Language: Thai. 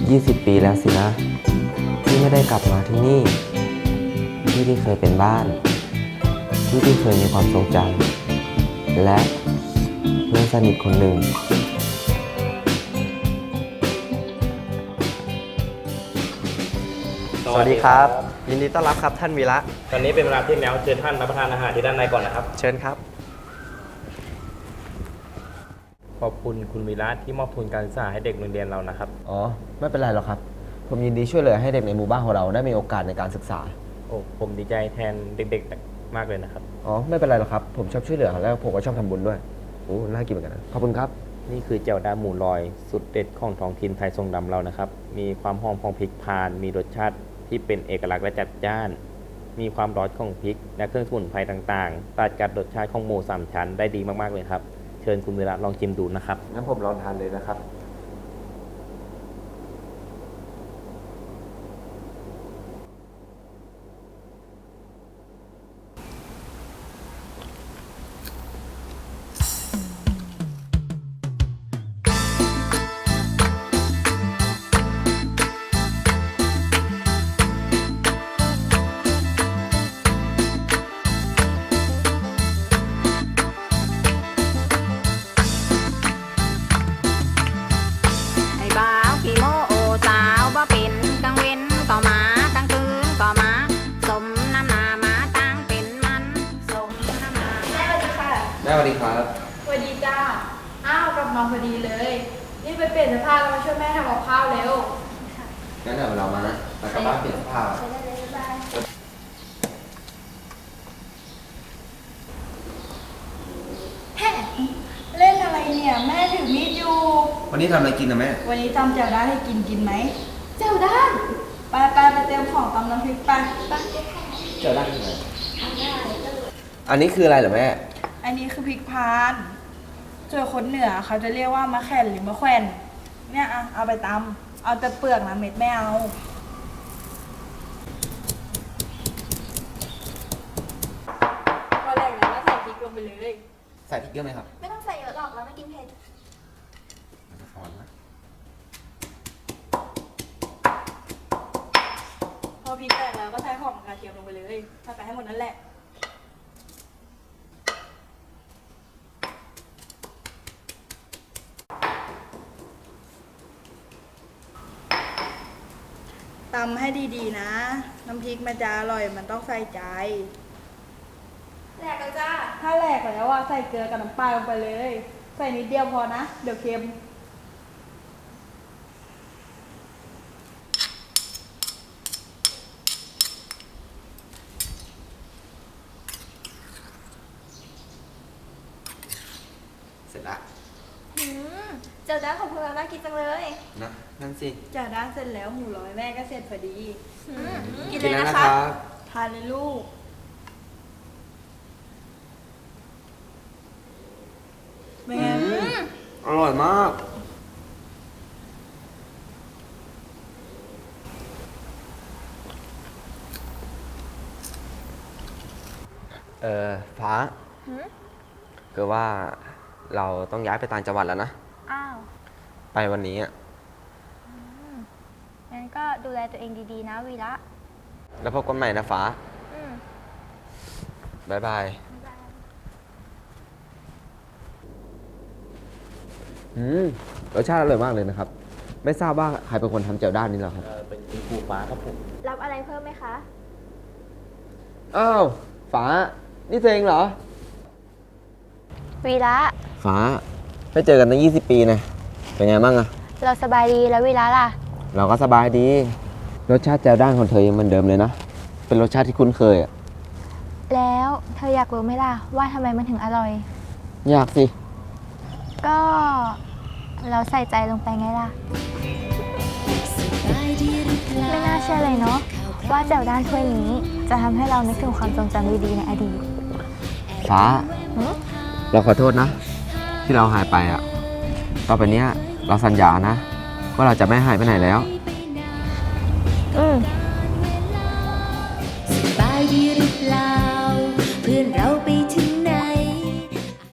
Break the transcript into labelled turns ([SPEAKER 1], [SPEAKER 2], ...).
[SPEAKER 1] 20 ปีแล้วสินะที่ไม่ได้กลับมาที่นี่ที่เคยเป็นบ้านที่เคยมีความทรงจำและเพื่อนสนิทคนหนึ่ง
[SPEAKER 2] สวัสดีครับยินดีต้อนรับครับท่านวีระ
[SPEAKER 3] ตอนนี้เป็นเวลาเที่ยงแล้วเชิญท่านรับประทานอาหารที่ด้านในก่อนนะครับ
[SPEAKER 2] เชิญครับ
[SPEAKER 3] ขอบคุณคุณวีระที่มอบทุนการศึกษาให้เด็กโรงเรียนเรานะครับ
[SPEAKER 1] อ๋อไม่เป็นไรหรอกครับผมยินดีช่วยเหลือให้เด็กในหมู่บ้านของเราได้มีโอกาสในการศึกษา
[SPEAKER 3] โอ้ผมดีใจแทนเด็กๆมากเลยนะครับ
[SPEAKER 1] อ๋อไม่เป็นไรหรอกครับผมชอบช่วยเหลือแล้วผมก็ชอบทำบุญด้วยโอ้น่ากินเหมือนกันนะขอบคุณครับ
[SPEAKER 3] นี่คือเจียวดาหมูลอยสุดเด็ดของท้องถิ่นไทยทรงดำเรานะครับมีความหอมของพริกพานมีรสชาติที่เป็นเอกลักษณ์และจัดจ้านมีความร้อนของพริกและเครื่องสมุนไพรต่างๆตัดกับรสชาติของหมูสามชั้นได้ดีมากๆเลยครับเชิญคุณวีระลองชิมดูนะครับ
[SPEAKER 1] งั้นผมลองทานเลยนะครับแม่สวัสดีครับ
[SPEAKER 4] สวัสดีจ้าอ้าวกลับมาพอดีเลยนี่ไปเปลี่ยนเสื้อผ้าแล้วมาช่วยแม่ทำกับข้าวเร็ว
[SPEAKER 1] งั้นเดี๋ยวเรามานะมากลับบ้านเปลี่ยนเสื้อผ้า
[SPEAKER 4] เล่นอะไรเนี่ยแม่ถือมีดอยู่
[SPEAKER 1] วันนี้ทำอะไรกินนะแม่
[SPEAKER 4] วันนี้ตำแจ่วด้านให้กินไหมแจ่วด้าน ไปเตรียมของตำน้ำพริกไป
[SPEAKER 1] เจอได้ที่ไหนอันนี้คืออะไรเหรอแม่
[SPEAKER 4] อันนี้คือพริกพานส่วนคนเหนือเขาจะเรียกว่ามะแข่นหรือมะแขวนเนี่ยเอาไปตำเอาแต่เปลือกนะเม็ดไม่เอาพอแรกนะแล้วใส่พริกลงไปเลย
[SPEAKER 1] ใส่พริกเยอะไหมครับ
[SPEAKER 4] ไม่ต้องใส่เยอะหรอกแล้วไม่กินเผ็ดพอพริกแตกแล้วก็ใส่หอมกระเทียมลงไปเลยใส่ไปให้หมดนั่นแหละตำให้ดีๆนะน้ำพริกมันจะอร่อยมันต้องใส่ใจแหลกแล้วจ้าถ้าแหลกแล้วใส่เกลือกับน้ำปลาลงไปเลยใส่นิดเดียวพอนะเดี๋ยวเค็ม
[SPEAKER 1] เสร็จละ
[SPEAKER 4] เจ้าด้านของพวกเราน่ากินจังเลย
[SPEAKER 1] นะนั่นสิ
[SPEAKER 4] เจ้าด้านเสร็จแล้วหมูร้อยแม่ก็เสร็จพอดี
[SPEAKER 1] กินเลยนะคะ
[SPEAKER 4] ทานเลยลูกเป็นไง
[SPEAKER 1] อร่อยมากฟ้าคือว่าเราต้องย้ายไปต่างจังหวัดแล้วนะ
[SPEAKER 5] อ้าว
[SPEAKER 1] ไปวันนี้อ่ะ
[SPEAKER 5] งั้นก็ดูแลตัวเองดีๆนะวีระ
[SPEAKER 1] แล้วพบกันใหม่นะฟ้าบ๊ายบายรสชาติอร่อยมากเลยนะครับไม่ทราบว่าใครเป็นคนทำแจ่วด้านนี้หรอครับ
[SPEAKER 3] เป็นครูฟ้าครับผม
[SPEAKER 5] รับอะไรเพิ่มไหมคะ
[SPEAKER 1] อ้าวฟ้านี่เองเหรอ
[SPEAKER 5] วีระ
[SPEAKER 1] ฟ้าไม่เจอกันตั้ง20 ปีนะเป็นไงบ้างอะ
[SPEAKER 5] เราสบายดีแล้ววีระล่ะ
[SPEAKER 1] เราก็สบายดีรสชาติแจ่วด้านของเธอยังเหมือนเดิมเลยนะเป็นรสชาติที่คุ้นเคยอะ
[SPEAKER 5] แล้วเธออยากรู้ไหมล่ะว่าทำไมมันถึงอร่อย
[SPEAKER 1] อยากสิ
[SPEAKER 5] ก็เราใส่ใจลงไปไงล่ะไม่น่าเชื่อเลยเนาะว่าแจ่วด้านถ้วยนี้จะทำให้เรานึกถึงความทรงจำดีๆในอดีต
[SPEAKER 1] ฟ้าเราขอโทษนะที่เราหายไปอ่ะต่อไปเนี้ยเราสัญญานะว่าเราจะไม่หายไปไหนแล้ว